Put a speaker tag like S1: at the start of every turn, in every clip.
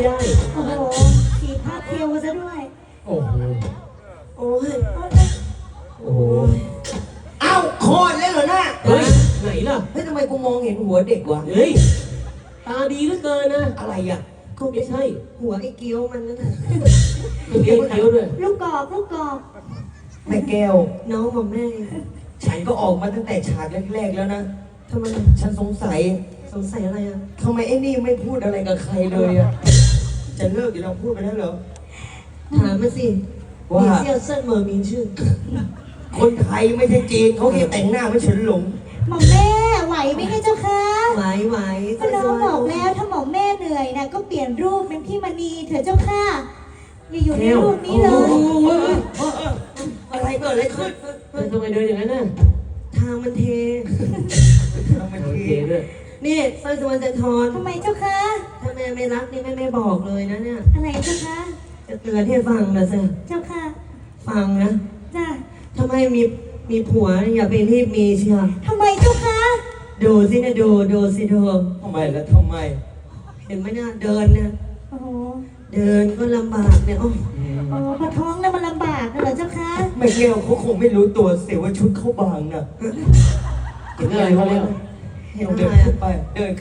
S1: ไม่ได้
S2: โอ้โหสีภาพเทวซะด้วย
S1: โอ้โห
S3: โอ้ย
S1: โอ้โห
S3: เอ้าคลอดแล้วเหรอน่ะ
S1: เฮ้ยไหนล่ะ
S3: เฮ้ยทำไมกูมองเห็นหัวเด็กวะ
S1: เฮ้ยตาดีเหลือเกินนะ
S3: อะไรอ่ะ
S1: ก็ไม่ใช่
S3: หัวไอ้เกี้ยวมันนั่นน่ะ
S1: มันเลี้ยงเกี้ยวด้วย
S2: ลูกกอกลูกกอก
S3: แม่แก้ว น้องของแม่ ฉันก็ออกมาตั้งแต่ฉากแรกๆแล้วนะทำไมฉันสงสัยอะไรอ่ะทำไมไอ้นี่ไม่พูดอะไรกับใครเลยอ่ะ จะเลิกอยู่แล้วพูดไปแล้วเหรอ ถามมาสิว่าเซี่ยวเซินเหมอมีชื่อ คนไทยไม่ใช่จีนเขาแค่แต่งหน้าไม่เฉินหลง
S2: หม่อมแม่ไหวไหมคะเจ้าคะ
S3: ไหว
S2: ก็น้องบอกแล้วถ้าหม่อมแม่เหนื่อยนะก็เปลี่ยนรูปเป็นพี่มณีเถอะเจ้าค่ะอย่าอยู่ในรูปนี้เลย
S3: อะไรเกิดอะไรขึ้น
S1: ทำไมเดินอย่างนั้นน่ะ
S3: ทางมันเททางมัน
S1: โอ
S3: เท
S1: เคด้วย
S3: นี่สร้อยสุวรรณจันทร
S2: ทำไมเจ้าคะ
S3: ถ้าแม่ไม่รักนี่แม่ไม่บอกเลยนะเนี่ย
S2: อะไรเจ้าคะ
S3: จะเตือนให้ฟังนะสิ
S2: เจ้าค่ะ
S3: ฟังนะ
S2: จ้า
S3: ถ้าไม่มีผัวอย่าไปรีบมีเชียว
S2: ทำไมเจ้าคะ
S3: ดูสินะดูสิดูทำไมแล้วทำไม เห็นไหมเนี่ยเดินเนี่ย
S2: โอ้โห
S3: เดินก็ลำบากเนี่ยโอ้
S2: โอ้พอท้องแล้วมันลำบากนะเหรอเจ้าคะ
S3: ไม่เกี่ยวเขาคงไม่รู้ตัวเสียว่าชุดเขาบางน่ะ
S1: เห็นอะไรเขาแล้ว
S3: เห็นเดินขึ้นไป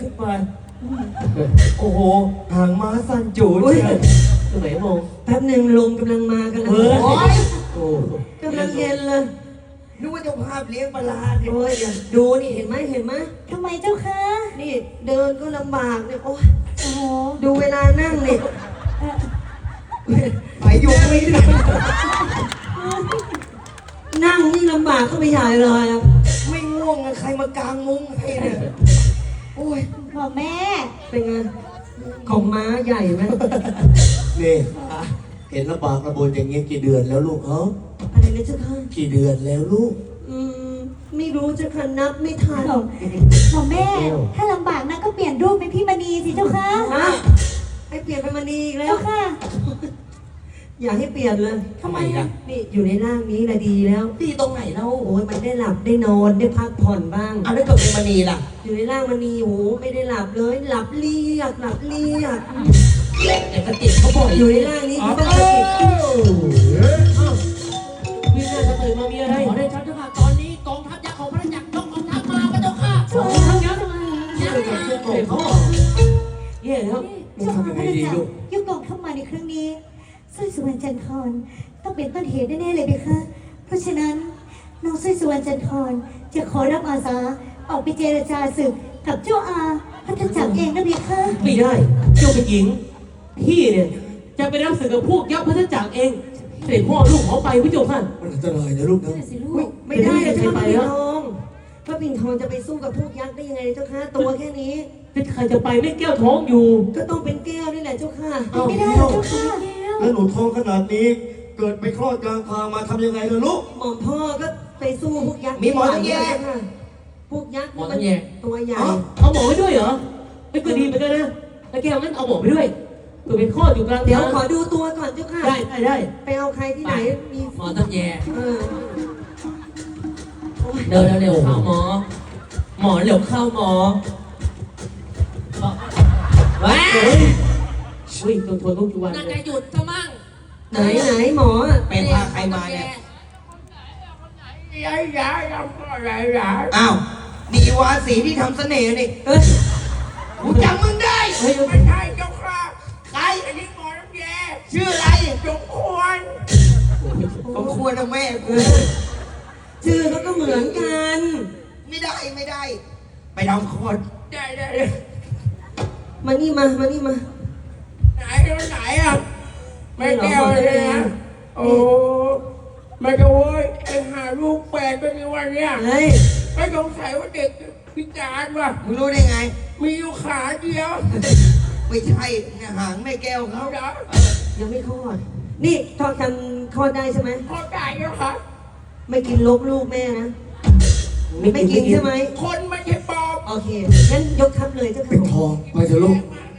S3: โอ้โหหางม้าสั้นจูดเชียว
S1: ตรงไหนมอง
S3: แป๊บหนึ่งลมกำลังมากำลัง
S1: เฮ้ย
S3: โอ้ย
S1: โอ้
S3: กำลังเย็นเลย
S4: นึกว่าเจ้าภาพเลี้ยงปลาร้าเนี่ย
S3: โอ้ยดูนี่เห็นไหม
S2: ทำไมเจ้าคะ
S3: นี่เดินก็ลำบากเนี่ยโอ้ย
S2: โอ้โห
S3: ดูเวลานั่งเนี่ย
S2: เอ่อ
S4: ไปอยู่ไม่ได้
S3: นั่งนี่ลำบากก็ไม่ใหญ่เลยอะ
S4: ไม่ง่วงอะใครมากางมุ้งให้เนี่ยโอ้ย
S2: หม่อมแม่
S3: เป็นไงของม้าใหญ่ไหม
S4: นี่เห็นลำบากระบนอย่างเงี้ยกี่เดือนแล้วลูกเอ้า
S3: อะไรนะเจ้าค่ะ
S4: กี่เดือนแล้วลูก
S3: อืมไม่รู้เจ้าค่ะนับไม่ทัน
S2: หม่อมแม่ ถ้าลำบากนะก็เปลี่ยนรูปเป็นพี่มณีสิเจ้าค่ะ
S3: ฮะให้เปลี่ยนเป็นมณีอีกแล้
S2: เจ้าว ค่ะ
S3: อยากให้เปลี่ยนเลย
S4: ทำไมล่ะ
S3: นี่อยู่ในร่างนี้แหละดีแล้ว
S4: ดีตรงไหนเล่า
S3: โอ้ยมันได้หลับได้นอนได้พักผ่อนบ้าง
S4: เอาแล้วเกิดเป็นมณีล่ะ
S3: อยู่ในร่างมณีโอ้โหไม่ได้หลับเลย หลับเรียก
S4: แต่กระติกเขาบ่อย
S3: อยู่ในร่างนี้คือต้องสติ
S1: พี่น่าจะตื่นมามีอะไร
S5: ขอได้ชัดเจ้าค่ะตอนนี้กองทัพยักษ์ของพระจักรยกกองทัพมาพระเจ้าค่ะ
S2: โอ้ย
S1: ทั้งยักษ์ยักษ์กับเด็กเขาแย่แล้ว
S2: เจ้าค่ะพระเจ้ายุกกองเข้ามาในครั้งนี้สร้อยสุวรรณจันทรต้องเป็นต้นเหตุแน่ๆเลยเพคะเพราะฉะนั้นน้องสร้อยสุวรรณจันทรจะขอรับอาสาออกไปเจรจาศึกกับเจ้าอาพัฒจักรเองนะเพคะ
S1: ไม่ได้เจ้าเป็นหญิงพี่เนี่ยจะไปรับศึกกับพวกยักษ์พัฒจักรเองเสด็จพ่อลูกเขาไปพี่โจค่ะ
S4: มันอันตรายนะลูกนะ
S3: ไม่ได้เลย
S1: จะ
S3: เจ้า
S1: ไป
S3: พระปิ่น
S1: แล้ว
S3: ทองพระปิ่นทองจะไปสู้กับพวกยักษ์ได้ยังไงเจ้าค่ะตัวแค่นี้
S1: เป็นใครจะไปไม่แก้วท้องอยู่
S3: ก็ต้องเป็นแก้วนี่แหละเจ้าค่ะ
S1: เอ้า
S2: ไม่ได้หรอกเจ้าค่ะ
S4: แล้วหนูท้องขนาดนี้ เกิดไปคลอดกลางทางมาทำยังไงล่ะลูก
S3: หม่อมพ่อก็ไปสู้พวกยักษ์
S4: มีหมอต้องแยก
S3: ค่ะพวกยักษ์
S5: หมอต้องแยก
S3: ตัวใหญ่
S1: เอาหมอไปด้วยเหรอไม่ก็ดีเหมือนกันนะแล้วแก้วงั้นเอาหมอไปด้วยเผื่อเป็นข้ออยู่กลาง
S3: เดี๋ยว
S1: ทาง
S3: ขอดูตัวก่อนเจ้าค่ะ
S1: ได้
S3: ไปเอาใครที่ไหนมี
S5: หมอต้องแย่
S3: เออ
S5: เดินเร็วเข้าหมอ หมอเร็วเข้าหมอว้า
S1: เฮ้ยอุ้ยตัวทนต้องจุวัน
S5: น่า
S1: เล
S5: จะ
S1: ย
S5: หยุดซะมั่ง
S3: ไหนหมอ
S4: เป็นพาใครมาเนี่ย อ้าว นี่อีวาสีที่ทำเสน่ห์นี่
S3: เอ้ย
S4: กูจำมึงได้
S3: เฮ้ย
S6: ไม่ใช่เจ้าค่ะใครอันนี้หมอน้ำแย่
S4: ชื่ออะไร
S6: จงควร
S4: ก็ควรนะแม่กู
S3: ชื่อเขาก็เหมือนกัน
S4: ไม่ได้ ไปทำคลอด
S6: ได้
S3: มานี่มา
S6: ไหนไหนอ่ะไม่แก้วเลยนะโอ้ไม่ก็โว้ยเอ็งหาลูกแปลกเป็นยังไงเนี่ย
S3: เฮ้ย
S6: ไม่สงสัยว่าเด็กพิการว่ะ
S4: มึงรู้ได้ไง
S6: มีอยู่ขาเดียว
S4: ไม่ใช่เนี่ยหางแม่แก้วเขา
S6: เอาเดี๋ยว
S3: ยังไม่คลอด นี่ทอดกันคลอดได้ใช่ไหม
S6: พอได้แล้วค่ะ
S3: ไม่กินลกลูกแม่นะ ไม่กินใช่ไหม
S6: คนไม่ใช่ปอบ
S3: โอเค งั้นยกทัพเลยเจ้าค่ะ
S4: เป็นทอง ไปเถอะลูก
S6: มา